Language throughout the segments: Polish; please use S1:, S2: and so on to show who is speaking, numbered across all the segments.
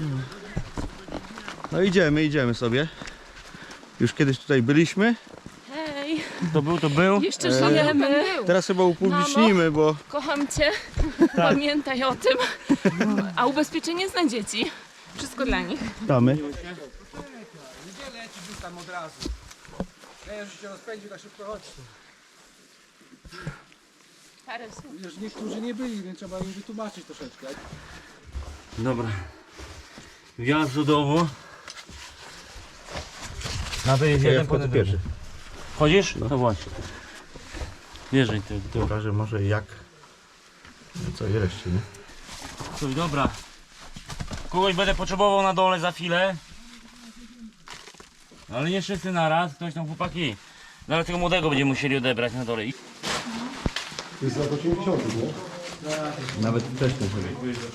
S1: No idziemy sobie. Już kiedyś tutaj byliśmy.
S2: Hej,
S3: To był.
S2: jeszcze żyjemy.
S1: Teraz chyba upublicznimy, bo
S2: Kocham cię. Pamiętaj o tym. A ubezpieczenie jest na dzieci. Wszystko dla nich.
S1: damy.
S4: Nie lecisz tam od razu. Ja już się rozpędził, tak szybko chodź.
S2: Parę słów.
S4: Wiesz, niektórzy nie byli, więc trzeba im wytłumaczyć troszeczkę.
S3: Dobra. Wjazd do domu. Na to jest jeden potem
S1: pierwszy.
S3: Chodzisz? No właśnie. Wjeżdżaj ty.
S1: Pokażę może jak. Co jeszcze, nie?
S3: Słuchaj, dobra. Kogoś będę potrzebował na dole za chwilę. Ale nie wszyscy naraz, ktoś tam chłopaki. Zaraz tego młodego będziemy musieli odebrać na dole.
S1: To jest lat 80, nie? Nawet wcześniej sobie.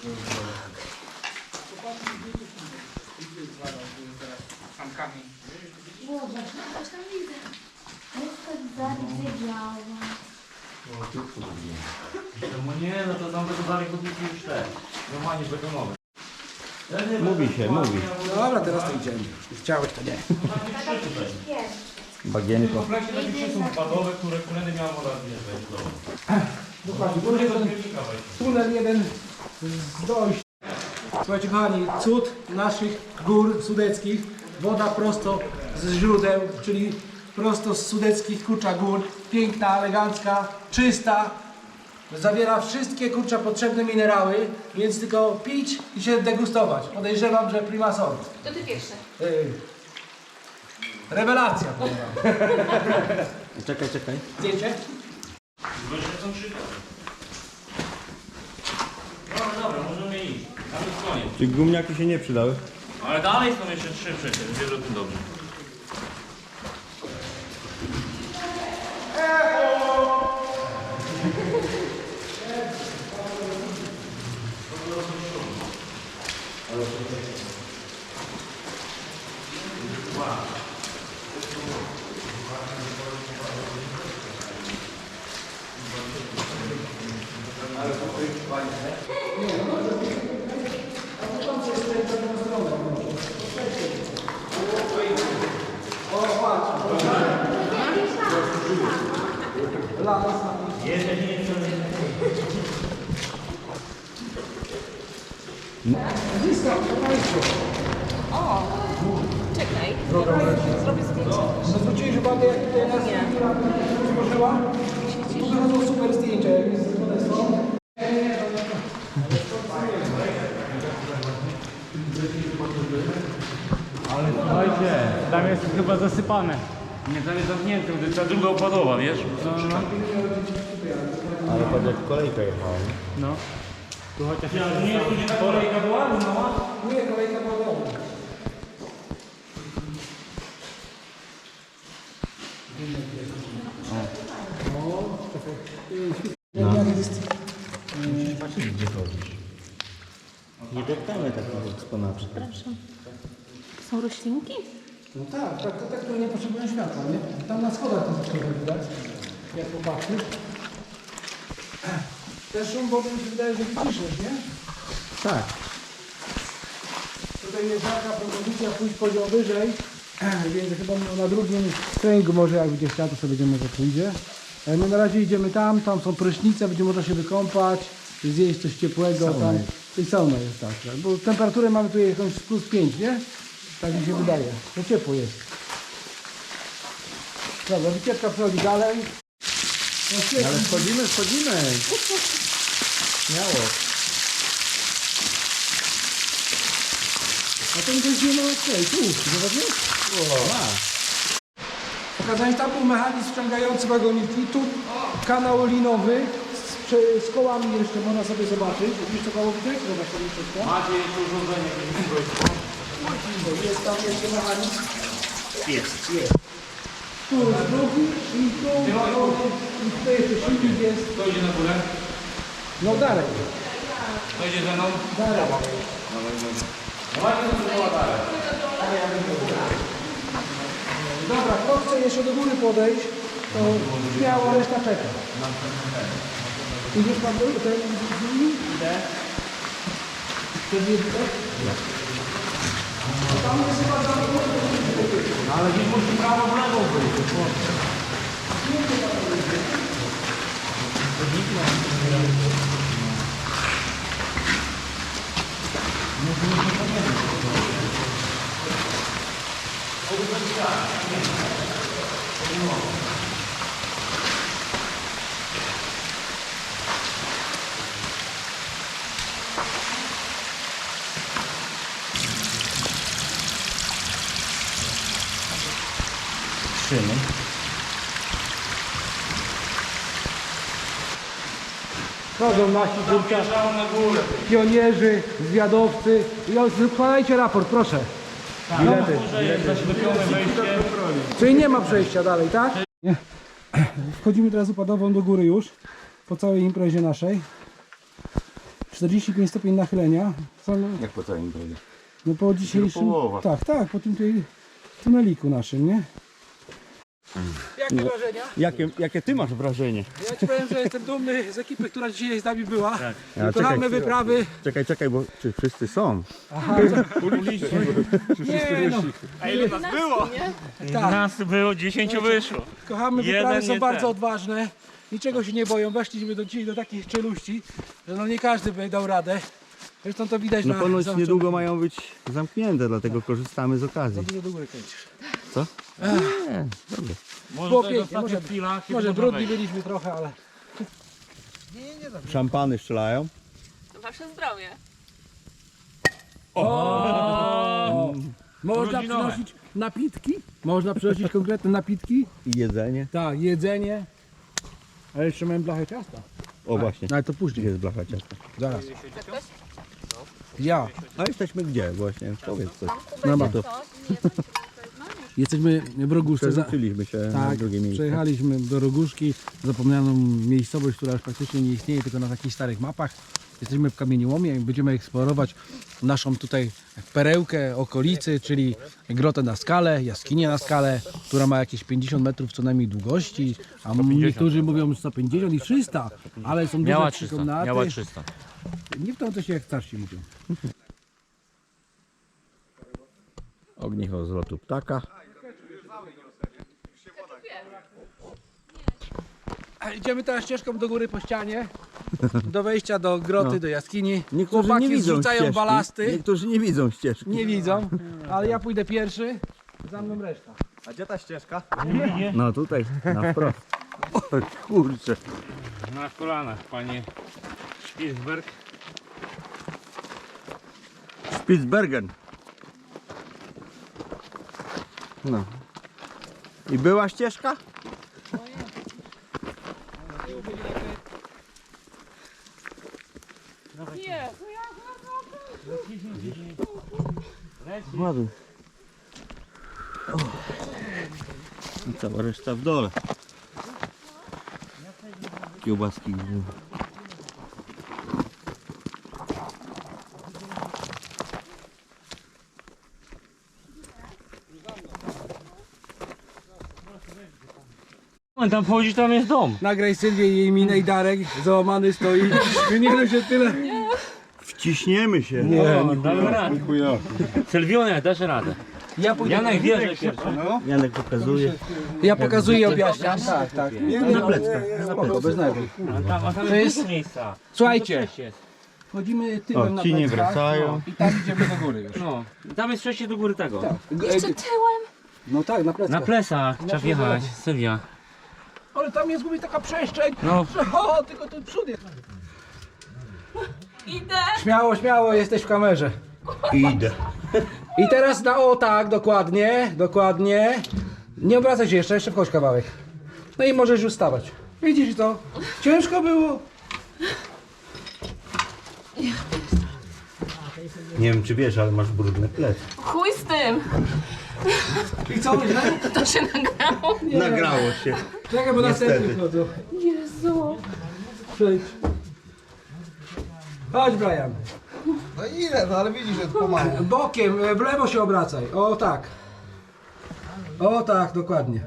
S3: No nie, no to tam będą dalej chodniki już te. Normalnie betonowe.
S1: Mówi się, mówi.
S4: No dobra, teraz to idziemy. Chciałeś, to nie.
S1: Bagienko.
S3: Kompleksie takie trzy są spadowe, które kolejny miałem woda zjeżdżać.
S4: Dokładnie, bo jeden tunel jeden z dojść. Słuchajcie kochani, cud naszych gór sudeckich. Woda prosto z źródeł, czyli prosto z sudeckich kurcza gór. Piękna, elegancka, czysta. Zawiera wszystkie kurcza potrzebne minerały, więc tylko pić i się degustować. Podejrzewam, że prima sort.
S2: To ty pierwszy.
S4: Rewelacja, powiem wam.
S1: Czekaj.
S4: Zdjęcie?
S3: Są trzy. Dobra, możemy iść. Tam jest koniec.
S1: Czy gumniaki się nie przydały?
S3: Ale dalej są jeszcze trzy przecież, wiesz o tym dobrze.
S2: O, czekaj. Zrobię zdjęcie.
S4: Zwróciłeś uwagę, jak tutaj nas złożyła? Tu wychodzą super zdjęcia, jak jest z Modestą.
S3: Ale słuchajcie, tam jest chyba zasypane. Nie, tam jest zamknięte, to jest ta druga opadowa, wiesz? No.
S1: Ale patrz jak kolejka jechała, nie?
S3: No. Tu chociaż nie jest tu gdzie ta kolejka była? No.
S4: Nie, kolejka była domu.
S1: Musisz patrzeć gdzie chodzisz. Nie deptamy takich eksponatów.
S2: Są roślinki?
S4: No tak, te, które nie potrzebują światła, nie? Tam na schodach to wszystko widać, jak popatrzysz. Ten szum wody mi się wydaje, że wyciszysz, nie?
S1: Tak.
S4: Tutaj jest taka propozycja pójść poziom wyżej, więc chyba na drugim treningu może jak będzie chciał, to sobie będziemy, że pójdzie. My na razie idziemy tam są prysznice, będzie można się wykąpać, zjeść coś ciepłego.
S1: Sauna
S4: Tam.
S1: jest.
S4: I sauna jest tak, bo temperaturę mamy tu jakąś plus 5, nie? Tak mi się wydaje, to ciepło jest. Dobra, wycieczka przechodzi dalej. No, świetnie.
S1: Ale wchodzimy. Śmiało.
S4: A to jest nie ma okej, tu, zobaczysz? Pokazałem, tam był mechanizm wciągający wagoniki, tu kanał linowy z kołami jeszcze można sobie zobaczyć. Widzisz to koło widać? Zobacz sobie wszystko.
S3: Macie jeszcze urządzenie jakieś.
S4: Jest tam jeszcze mechanizm.
S3: Jest.
S4: Tu jest drugi i tu i tutaj jeszcze silnik jest.
S3: Kto idzie na górę?
S4: No dalej.
S3: Kto idzie ze mną?
S4: Dalej.
S3: No właśnie to była dalej.
S4: Dobra, kto chce jeszcze do góry podejść, to śmiało, reszta czeka. Idziesz pan do ten z nimi? Idę. Chcesz je widać?
S3: Ale gdzieś musi prawo w lewo być.
S1: Szyny.
S4: Chodzą nasi kurczaki, pionierzy, zwiadowcy. I składajcie raport, proszę. Bilety.
S3: Może jest zaślepione wejście.
S4: Czyli nie ma przejścia dalej, tak? Nie. Wchodzimy teraz upadową do góry już, po całej imprezie naszej. 45 stopień nachylenia.
S1: Jak po całym imprezie?
S4: No po dzisiejszym...
S1: połowa.
S4: Tak, tak, po tym tutaj tuneliku naszym, nie? Jakie wrażenia?
S1: Jakie ty masz wrażenie?
S4: Ja ci powiem, że jestem dumny z ekipy, która dzisiaj z nami była.
S3: Tak.
S4: Wykonamy wyprawy.
S1: Czekaj, bo czy wszyscy są?
S4: Nie, no,
S3: A ile nas było?
S4: tak.
S3: Nas było, 10 wyszło.
S4: Kochamy,
S3: Jeden
S4: wyprawy są
S3: nie
S4: bardzo
S3: ten.
S4: odważne. Niczego się nie boją. Weszliśmy dzisiaj do takich czeluści, że no nie każdy by dał radę. Zresztą to widać
S1: No
S4: na...
S1: ponoć
S4: załączonym-
S1: niedługo mają być zamknięte, dlatego korzystamy z okazji.
S4: Za dużo do góry kręcisz.
S1: Co?
S3: Może
S4: Było
S3: to jest w
S4: pięknie,
S3: ostatnich chwilach i
S4: Może
S3: można
S4: brudni
S3: wejść.
S4: byliśmy trochę, ale...
S1: Szampany strzelają.
S2: Wasze zdrowie.
S4: Można
S3: Rodzinowe.
S4: przynosić napitki. Można przynosić konkretne napitki.
S1: I jedzenie.
S4: Tak, jedzenie. A jeszcze mamy blachę ciasta.
S1: O właśnie,
S4: Ale to później.
S1: jest blacha ciasta.
S4: Zaraz. Ja.
S1: A jesteśmy gdzie właśnie? Powiedz coś.
S4: No
S1: No to
S4: Jesteśmy w Roguszce.
S1: przerzuciliśmy się na
S4: Tak,
S1: drugie miejsce.
S4: przejechaliśmy do Roguszki, zapomnianą miejscowość, która już praktycznie nie istnieje, tylko na takich starych mapach. Jesteśmy w kamieniołomie i będziemy eksplorować naszą tutaj perełkę okolicy, czyli grotę na skale, jaskinię na skale, która ma jakieś 50 metrów co najmniej długości, a niektórzy mówią 150 i 300, ale są
S3: Miała
S4: duże
S3: 300,
S4: komnaty.
S3: miała 300.
S4: Nie w to się jak starsi mówią.
S1: Ognicho z lotu ptaka.
S4: A idziemy teraz ścieżką do góry po ścianie, do wejścia do groty, do jaskini.
S1: Niektórzy
S4: Chłopaki
S1: nie widzą
S4: zrzucają
S1: ścieżki.
S4: balasty.
S1: Niektórzy nie widzą ścieżki.
S4: Nie widzą, ale ja pójdę pierwszy, za mną reszta.
S1: No tutaj, na wprost. O kurczę.
S3: Na kolanach, panie Spitzberg.
S1: Spitsbergen. No. I była ścieżka?
S2: Jezu,
S1: Ładnie. I cała reszta w dole. Kiełbaski.
S3: Tam wchodzi, tam jest dom.
S4: Nagraj Sylwię i jej minę i Darek, załamany stoi. Nie się tyle.
S1: Wciśniemy się.
S3: Damy radę. Sylwionia, dasz radę.
S4: Ja pójdę.
S3: Janek wierzy pierwszy.
S1: Janek pokazuje.
S4: Ja pokazuję i objaśniam. Tak, tak.
S1: Na pleckach.
S4: Spoko, bez nerwów.
S3: A tam
S4: To jest-
S3: jest miejsca.
S4: Słuchajcie,
S3: Przejście jest.
S4: wchodzimy tyłem
S1: O,
S4: na
S1: ci nie
S4: pleckach,
S1: wracają.
S4: i tam idziemy do góry już.
S3: No, tam jest przejście do góry tego.
S2: jeszcze tyłem.
S4: No tak, na
S3: Na
S4: pleckach.
S3: plecach trzeba wjechać, Sylwia.
S4: Ale tam jest mówi taka przestrzeń,
S3: No.
S4: że o, tylko ten przód jest.
S2: Idę.
S4: Śmiało, śmiało, jesteś w kamerze.
S1: Idę.
S4: I teraz na o tak, dokładnie, dokładnie. Nie obracaj się jeszcze wchodź kawałek. No i możesz już stawać. Widzisz to? Ciężko było.
S1: Nie wiem czy wiesz, ale masz brudne plecy.
S2: Chuj z tym.
S4: I co, źle?
S2: To się nagrało.
S1: Nagrało się.
S4: Czekaj, bo następny
S1: Niestety.
S4: wchodzą.
S2: Jezu.
S4: Przejdź. Chodź, Brian.
S5: No ile, no ale widzisz, że pomału.
S4: Bokiem, w lewo się obracaj. O tak. O tak, dokładnie.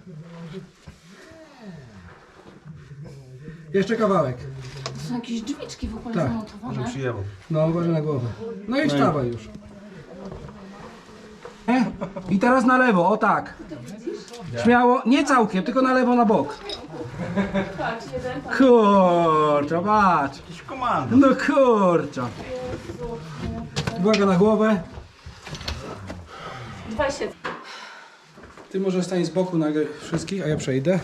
S4: Jeszcze kawałek.
S2: To są jakieś drzwiczki w ogóle
S4: Tak.
S2: zamontowane.
S4: No, uważaj na głowę. No i wstawaj już. Nie? I teraz na lewo, o tak. Śmiało, nie całkiem, tylko na lewo, na bok.
S2: Patrz, jeden, patrz.
S4: Kurczę, patrz. No kurczę. Uwaga na głowę.
S2: 20.
S4: Ty może stań z boku na wszystkich, a ja przejdę.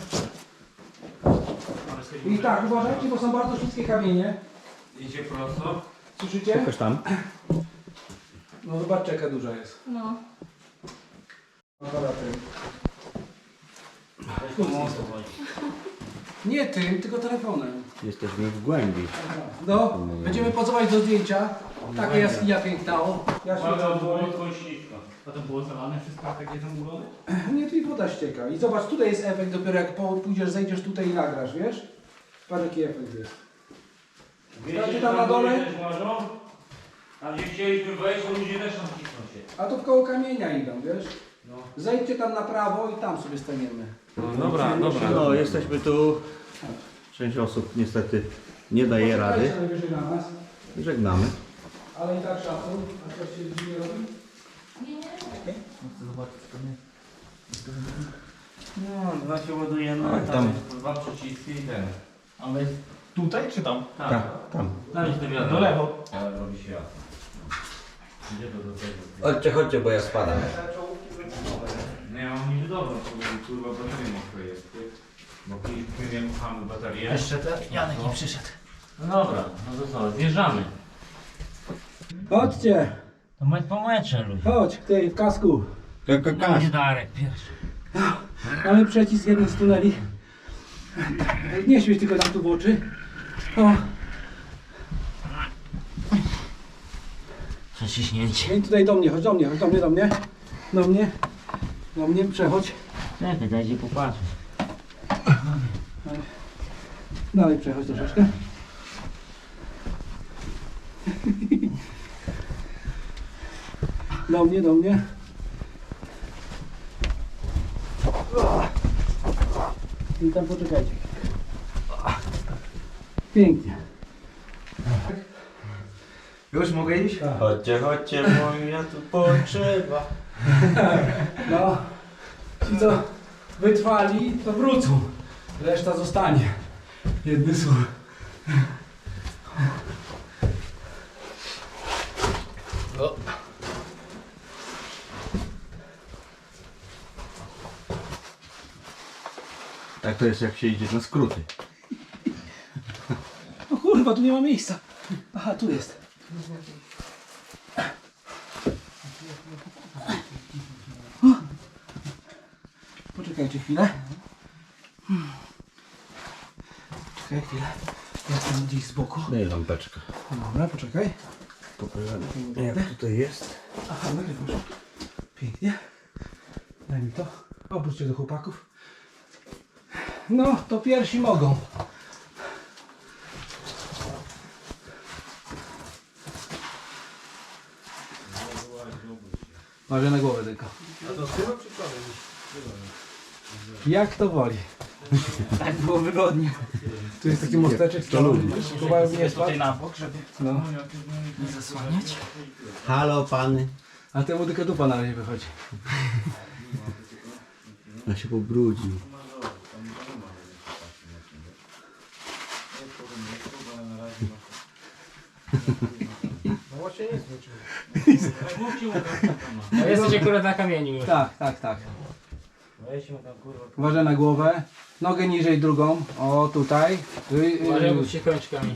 S4: I tak, uważajcie, bo są bardzo wszystkie kamienie.
S3: Idzie prosto.
S4: Słyszycie?
S1: Pokaż tam.
S4: No zobaczcie, jaka duża jest.
S2: No. Nie tym, tylko telefonem.
S1: Jesteśmy w głębi.
S4: No, będziemy pozować do zdjęcia. Taka jaskinia piękna. O, ja się
S3: ślisko. A to było zalane wszystko takie zamulone?
S4: Nie, tu woda ścieka. I zobacz, tutaj jest efekt dopiero jak pójdziesz, zejdziesz tutaj i nagrasz, wiesz? Patrz jaki efekt jest. Ty tam na dole?
S3: A gdzie chcieliśmy wejść, to ludzie też tam cisną się.
S4: A tu koło kamienia idą, wiesz? Zejdźcie tam na prawo i tam sobie staniemy.
S3: Dobra.
S1: No, jesteśmy tu. Część osób niestety nie daje rady.
S4: Poczekajcie najwyżej na nas,
S1: Żegnamy.
S4: ale i tak szacun. A coś się dziwnie robi?
S3: No, dwa się ładujemy,
S1: Tak,
S3: tam
S1: tam.
S3: jest dwa przyciski i ten.
S6: Ale tutaj czy tam?
S3: Tak.
S1: Tam.
S3: Tam jest wiadomo.
S6: Do lewo.
S3: Ale robi się jasno. Gdzie to do tego?
S1: Chodźcie, bo ja spadam.
S3: No ja mam niby dobrą, bo kurwa bateria mokre jest. Bo kiedyś kupiłem kochamy baterię.
S6: Jeszcze ten Janek nie przyszedł.
S3: No dobra, no to co, zjeżdżamy.
S4: Chodźcie,
S3: To my po mecze ludzie.
S4: chodź, ty w kasku.
S3: Będzie Darek pierwszy.
S4: Mamy przecisk jeden z tuneli. Nie świeć tylko nam tu w oczy. O,
S3: Przeciśnięcie.
S4: i tutaj do mnie, chodź do mnie, chodź do mnie, do mnie. Do mnie, przechodź.
S3: Czekaj, dajcie popatrzeć.
S4: Dalej przechodź troszeczkę. Do mnie. I tam poczekajcie. Pięknie.
S5: Już mogę iść?
S1: Chodźcie, moja tu potrzeba.
S4: No, ci co wytrwali, to wrócą. Reszta zostanie. Jedny słów.
S1: Tak to jest jak się idzie na skróty.
S4: O kurwa, tu nie ma miejsca. Aha, tu jest. O. Poczekajcie chwilę. Czekaj chwilę. Ja jestem gdzieś z boku.
S1: Daj lampeczkę.
S4: Dobra, poczekaj.
S1: Pokażemy jak tutaj jest.
S4: Aha, nagrywasz. Pięknie. Daj mi to. Obróćcie do chłopaków. No, to pierwsi mogą. Uważaj na głowę tylko.
S5: A to tyłem czy przodem?
S4: Jak to woli. Tak było wygodnie. Tu jest taki mosteczek, co próbowałem nie spać.
S6: na bok, żeby
S4: No.
S6: nie zasłaniać.
S1: Halo pany.
S4: A temu tylko dupa na razie wychodzi.
S1: Ja się pobrudził.
S5: No właśnie nic nie czuję.
S6: No jesteś akurat na kamieniu już.
S4: Tak. Uważaj na głowę. Nogę niżej drugą. O, tutaj.
S6: Uważaj, bo się kończkami.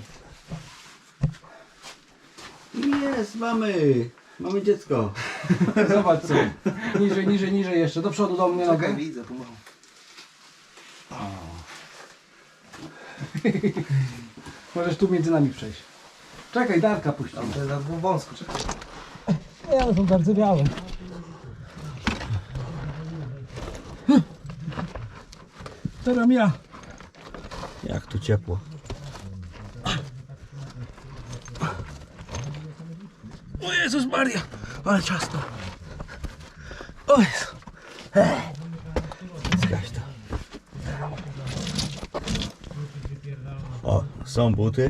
S1: Jest, mamy dziecko.
S4: Zobacz co. Niżej jeszcze. Do przodu do mnie nogę.
S5: Widzę, pomału.
S4: Możesz tu między nami przejść. Czekaj, Darka puścimy.
S5: To jest za wąsko, czekaj.
S4: Nie, one są bardzo białe. Teraz ja.
S1: Jak tu ciepło.
S4: O Jezus Maria, ale ciasno. O Jezu.
S1: Zgaś to. O, są buty.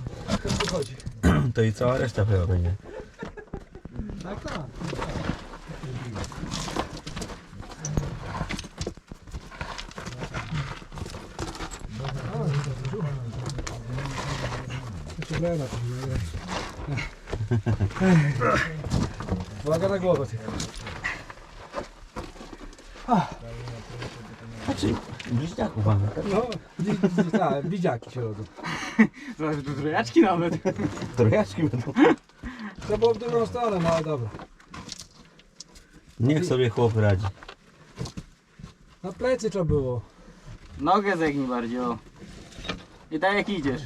S1: To i cała reszta chyba będzie.
S5: Tak.
S4: Uwaga na głowę.
S1: Znaczy, bliźniaków mamy.
S4: No, tak, widziaki się rodzą.
S6: Zobacz, tu trojaczki nawet.
S1: Trojaczki będą.
S4: To było w drugą stronę, no ale dobra.
S1: Niech sobie chłop radzi.
S4: Na plecy trzeba było.
S6: Nogę zegnij bardziej, o. I tak jak idziesz.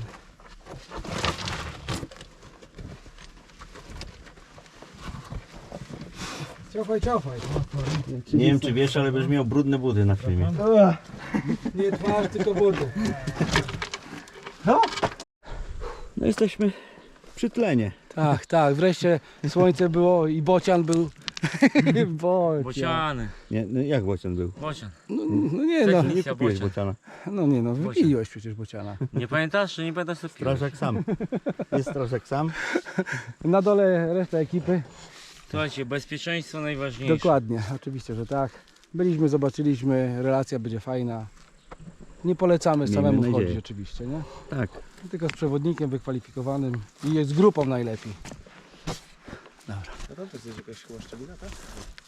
S4: Ciofaj.
S1: Nie wiem czy wiesz, ale będziesz miał brudne buty na filmie.
S4: Nie twarz, tylko buty.
S1: No jesteśmy przy tlenie.
S4: Tak, wreszcie słońce było i bocian był.
S6: Bociany.
S1: Nie, no jak bocian był?
S6: Bocian.
S4: No nie no,
S1: Nie kupiłeś bociana.
S4: wypiliłeś przecież bociana.
S6: Nie pamiętasz, czy nie pamiętasz co piłeś?
S1: Strażak sam. Jest strażak sam.
S4: Na dole reszta ekipy.
S6: Słuchajcie, bezpieczeństwo najważniejsze.
S4: Dokładnie, oczywiście, że tak. Byliśmy, zobaczyliśmy, relacja będzie fajna. Nie polecamy
S1: Miejmy
S4: samemu
S1: nadzieję.
S4: chodzić oczywiście, nie?
S1: Tak.
S4: Tylko z przewodnikiem wykwalifikowanym i jest grupą najlepiej.
S5: A tam to jest jakaś chyba szczelina, tak?